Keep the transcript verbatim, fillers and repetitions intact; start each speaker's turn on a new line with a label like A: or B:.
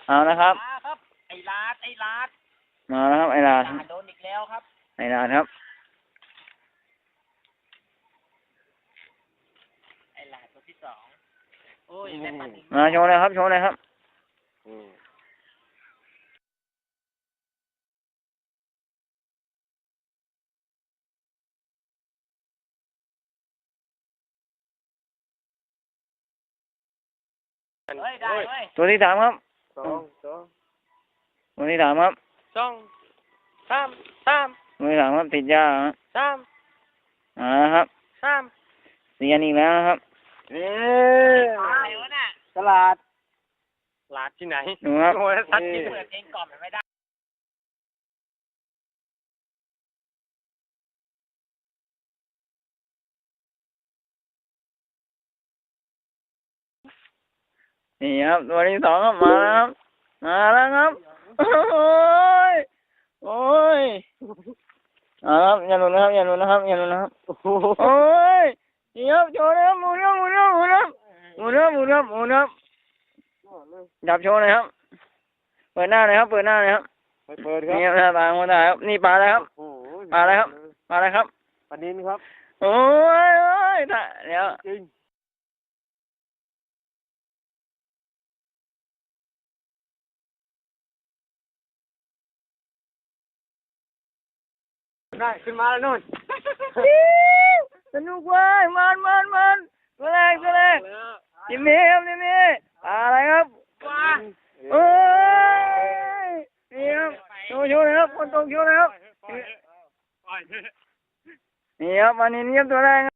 A: เอานะครับ
B: มาครับไอ้ลาดไอ้ลาด
A: มาแล้วครับไอ้ลาด
B: ลาดโดนอีกแล้วครับ
A: ไอ้ลาดครับ
B: ไอ้ลาดตัวที่สองโอ้ยได้ปันอีก
A: มาโชว์เลยครับโชว์เลยครับ
B: เฮ้ยได้เฮ้ย
A: ตัวที่สามครับ
C: สองสอง
A: ตัวที่สามครับ
C: สองสามสาม
A: ตัวที่สามครับติดยาครับ
C: สาม
A: อ่าครับ
C: สาม
A: เสียนอีกแล้วนะครับ
C: เอ๊ะ
B: อะไรวะน่ะ
C: ตลาดตลาดที่ไหน
A: ดูครับ
C: โอ้ยสัตว์ที่
B: เปิดเพลงกล่อมมันไม่ได้
A: นี่ครับตัวที่สองครับมาแล้วครับมาแล้วครับโอ้ยโอ้ยเอาครับอย่าหลุดนะครับอย่าหลุดนะครับอย่าหลุดนะครับโอ้ยนี่ครับโชว์นะครับหมุนครับหมุนครับหมุนครับหมุนครับหมุนครับหมุนครับจับโชว์เลยครับเปิดหน้าเลยครับเปิดหน้าเลยครับ
C: ไปเปิดครับ
A: นี่ครับหน้าตาคนถ่ายครับนี่ปลาอะไรครับ
C: โอ้โห
A: ปลาอะไรครับปลาอะไรครับ
C: ปลานินครับ
A: โอ้ยโอ้ยถ่ายเดี๋ยว
C: จริงได้ขึ้นมาแล้วนู่น
A: สนุกเว้ยมันมันมันตัวแรกตัวแรกจิมมี่ครับจิมมี่ปลาอะไรครับ
B: ว้า
A: เอ้ยนี่ครับโชว์โชว์เลยครับคนตรงโชว์เลยครับนี่ครับวันนี้นี่ครับตัวแรก